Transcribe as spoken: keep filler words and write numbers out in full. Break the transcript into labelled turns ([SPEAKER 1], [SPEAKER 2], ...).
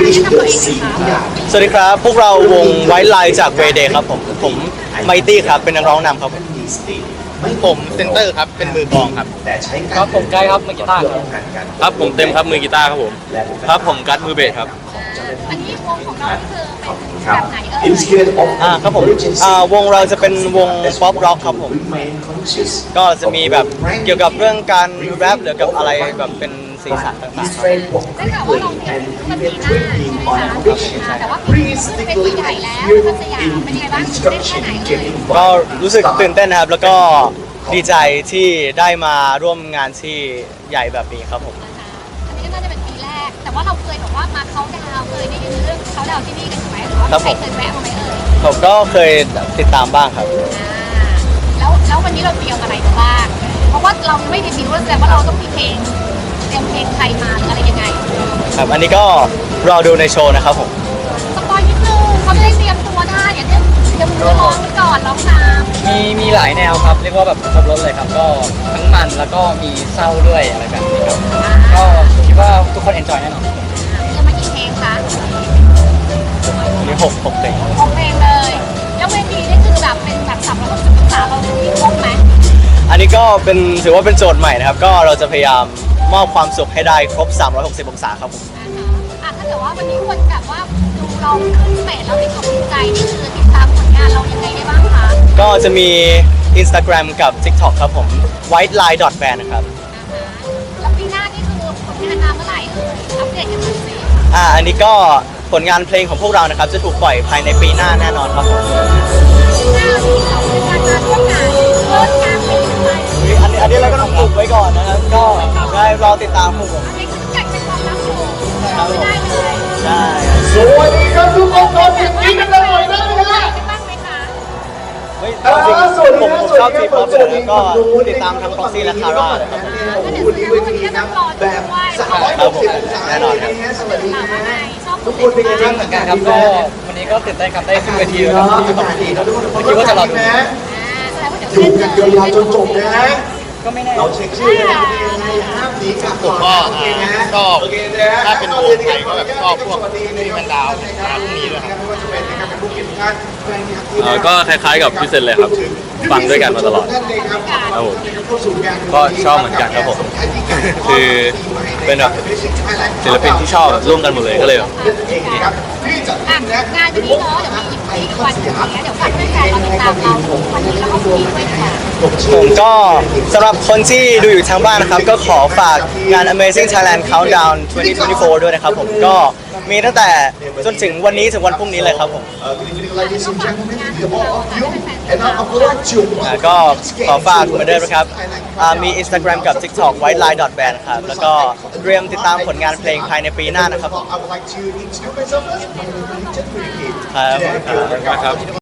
[SPEAKER 1] แนะนำตัวเองหน่อยค่ะ
[SPEAKER 2] สวัสดีครับพวกเราวงไวท์ไลน์จากเวเดย์ครับผมผมไมตี้ครับเป็นนักร้องนำครับผมผมเซนเตอร์ครับเป็นมือกลองครับครับผมไกด์ครับมือกีตาร์ครับครับผมเต็มครับมือกีตาร์ครับผมครับผมกัดมือเบสครับ
[SPEAKER 1] อันนี้วงของเราคือเป็นแบบไหนเอ่ย
[SPEAKER 2] อ่าครับผมอ่าวงเราจะเป็นวงป๊อปร็อกครับผมก็จะมีแบบเกี่ยวกับเรื่องการแรปหรือกับอะไรแบบเป็นสีสันต่างๆครับ
[SPEAKER 1] ได้ข่าวว่าเราเนี่ยมันปีหน้าใช่ไหมคะแต่ว่าปีนี้ขึ้นเป็นปีใหญ่แล้วพัทยาเป็นยังไงบ้างตื่นเต้นแค่ไหนเอ่ย
[SPEAKER 2] ก็รู้สึกตื่นเต้นนะครับแล้วก็ดีใจที่ได้มาร่วมงานที่ใหญ่แบบนี้ครับผม
[SPEAKER 1] อันนี้ก็น่าจะเป็นปีแรกแต่ว่าเราเคยบอกว่ามาเขาดาวเคยได้ยินเรื่องเขาดาวที่นี่กันถูกไหมหรือว่าใครเคยแวะมาไหมเอ่ย
[SPEAKER 2] ผมก็เคยติดตามบ้างครับ
[SPEAKER 1] อ่าแล้วแล้ววันนี้เราเตรียมอะไรมาบ้างเพราะว่าเราไม่ได้บิวแสดงว่าเราต้องมีเพลงเตรียมเพลงใครมาหรืออะไรยังไง
[SPEAKER 2] ครับอันนี้ก็รอดูในโชว์นะครับผม
[SPEAKER 1] สปอยนิดนึงเขาจะได้เตรียมตัวได้อย่าเดี๋ยวเดี๋ยวมือร้องไปก่อนร้องตาม
[SPEAKER 3] มีมีหลายแนวครับเรียกว่าแบบครบรถเลยครับก็ทั้งมันแล้วก็มีเศร้าด้วยอะไรแบบนี้ครับก็คิดว่าทุกคนเอนจอยแน่นอน
[SPEAKER 1] จะมากี่เพลงคะ
[SPEAKER 2] อันนี้หกหกเพลง
[SPEAKER 1] หกเพลงเลยแล้วเวทีนี่คือแบบเป็นแบบสามร้อยหกสิบองศาเรามีครบไหม
[SPEAKER 2] อันนี้ก็เป็นถือว่าเป็นโจทย์ใหม่นะครับ ก็เราจะพยายามมอบความสุขให้ได้ครบ สามร้อยหกสิบ องศาครับผม
[SPEAKER 1] อ่าฮะอ่ะถ้าเกิดว่าวันนี้คนแบบว่าดูเราขึ้นเฟซแล้วมีความภูมิใจนี่คือติดตามผลงานเรายังไงได้บ้างคะ
[SPEAKER 2] ก็จะมี Instagram กับ TikTok ครับผม white line dot band นะครับ
[SPEAKER 1] อ่าฮะแล้วปีหน้านี่คือผลงานมาเมื่อไหร่เอ่ยอัปเดตกันหน่อยสิ
[SPEAKER 2] อ่าอันนี้ก็ผลงานเพลงของพวกเรานะครับ จะถูกปล่อยภายในปีหน้าแน่นอนครับผม
[SPEAKER 1] ปีหน้าที่เราเป็นการมาร่วมงานเริ่มงานเป็นยังไง
[SPEAKER 2] อันนี้อันนี้เราก็ต้องปลุกไว้ก่อนนะครับ ก็ได้รอติดตามพวกผม
[SPEAKER 1] อันนี้คืออยากเป็นความลับอยู่เราไม่ได้เลย
[SPEAKER 2] ได้
[SPEAKER 4] สวัสดีครับทุกคนขอเสียงกรี๊ดกันหน่อยได้ไหมฮะ
[SPEAKER 1] ได้บ้างไหมคะ
[SPEAKER 2] เฮ้ย
[SPEAKER 4] อ่า
[SPEAKER 2] จริง
[SPEAKER 4] สวัส
[SPEAKER 2] ๆผ
[SPEAKER 4] ดี
[SPEAKER 2] ม
[SPEAKER 4] ค
[SPEAKER 2] ผ
[SPEAKER 4] รับ
[SPEAKER 2] ม
[SPEAKER 4] ส
[SPEAKER 2] ช
[SPEAKER 4] วั
[SPEAKER 2] อบ
[SPEAKER 4] สดี
[SPEAKER 2] ที
[SPEAKER 4] ครั
[SPEAKER 2] ป๊อบ ป
[SPEAKER 4] ส
[SPEAKER 2] เล
[SPEAKER 4] วัส
[SPEAKER 2] ย
[SPEAKER 4] ดี
[SPEAKER 2] แล้วก็ติดตามทั้ง Proxy และ Kara เลยครับ
[SPEAKER 4] โอ้โหดีเวทีครับแบบสามร้อยหกสิบองศา
[SPEAKER 2] แน่นอนครับ
[SPEAKER 4] สวัสดี
[SPEAKER 1] ถาม
[SPEAKER 4] ค
[SPEAKER 1] ว่าไง
[SPEAKER 4] รับ
[SPEAKER 1] ชอบ
[SPEAKER 4] ทุกคนเป็นยังไง
[SPEAKER 3] จริ
[SPEAKER 4] บ้าง ง
[SPEAKER 3] เหมือนกันครับก็วันนี้ก็ตื่นเต้นครับได้ขึ้นเวที
[SPEAKER 4] เน
[SPEAKER 3] แล้ว
[SPEAKER 4] อะ
[SPEAKER 3] ก็
[SPEAKER 4] อากาศดีนะทุกคน
[SPEAKER 3] ไม่คิดว่าจะรอดู
[SPEAKER 4] นะ
[SPEAKER 1] อ่าแสดงว่าเดี๋ยว
[SPEAKER 4] อยู่
[SPEAKER 1] เล่น
[SPEAKER 4] กัน
[SPEAKER 1] เลย
[SPEAKER 4] ยาวๆจนจบนะฮะ
[SPEAKER 3] ก็ไม่แน่
[SPEAKER 4] เราเช็คชื่อกันนะยังไงห้ามหนีกลับก่อนนะโอเคนะ
[SPEAKER 5] ชอบ
[SPEAKER 4] โอเคนะ
[SPEAKER 5] ถ้าเป็นวงไทยก็แบบชอบพวกที่มันดาวมาพวกนี้ด้วยครับ
[SPEAKER 4] ไม่ว่าจะเป็นนะครับเป็นผู้เขียนท่านแฟนคลับที่
[SPEAKER 6] เอ่อก็คล้ายๆกับพี่เซนเลยครับ ฟังด้วยกันมาตลอด ครับผมก็ชอบเหมือนกันครับผม คือเป็นแบบศิลปินที่ชอบร่วมกันหมดเลยก็เลยแบบ
[SPEAKER 1] อ่ะงานวันนี้เนาะเดี๋ยวมีอีกวันหนึงเนี่ยเดี๋ยวฝากแฟนๆเราติดตามเราวันนี้แล้วก็พรุ่งนี้ด้วยดีกว่า
[SPEAKER 2] ผมก็สำหรับคนที่ดูอยู่ทางบ้านนะครับ ก็ขอฝากงาน Amazing Thailand Countdown สองพันยี่สิบสี่ ด้วยนะครับผมก็มีตั้งแต่จนถึงวันนี้ถึงวันพรุ่งนี้เลยครับผม อ่าก็ขอฝากเหมือนเดิมนะครับอ่ามี Instagram กับ TikTok white line dot band ครับแล้วก็เตรียมติดตามผลงานเพลงภายในปีหน้านะครับผม
[SPEAKER 4] I would like to introduce myself as my religion.
[SPEAKER 2] ครับ
[SPEAKER 6] นะครับ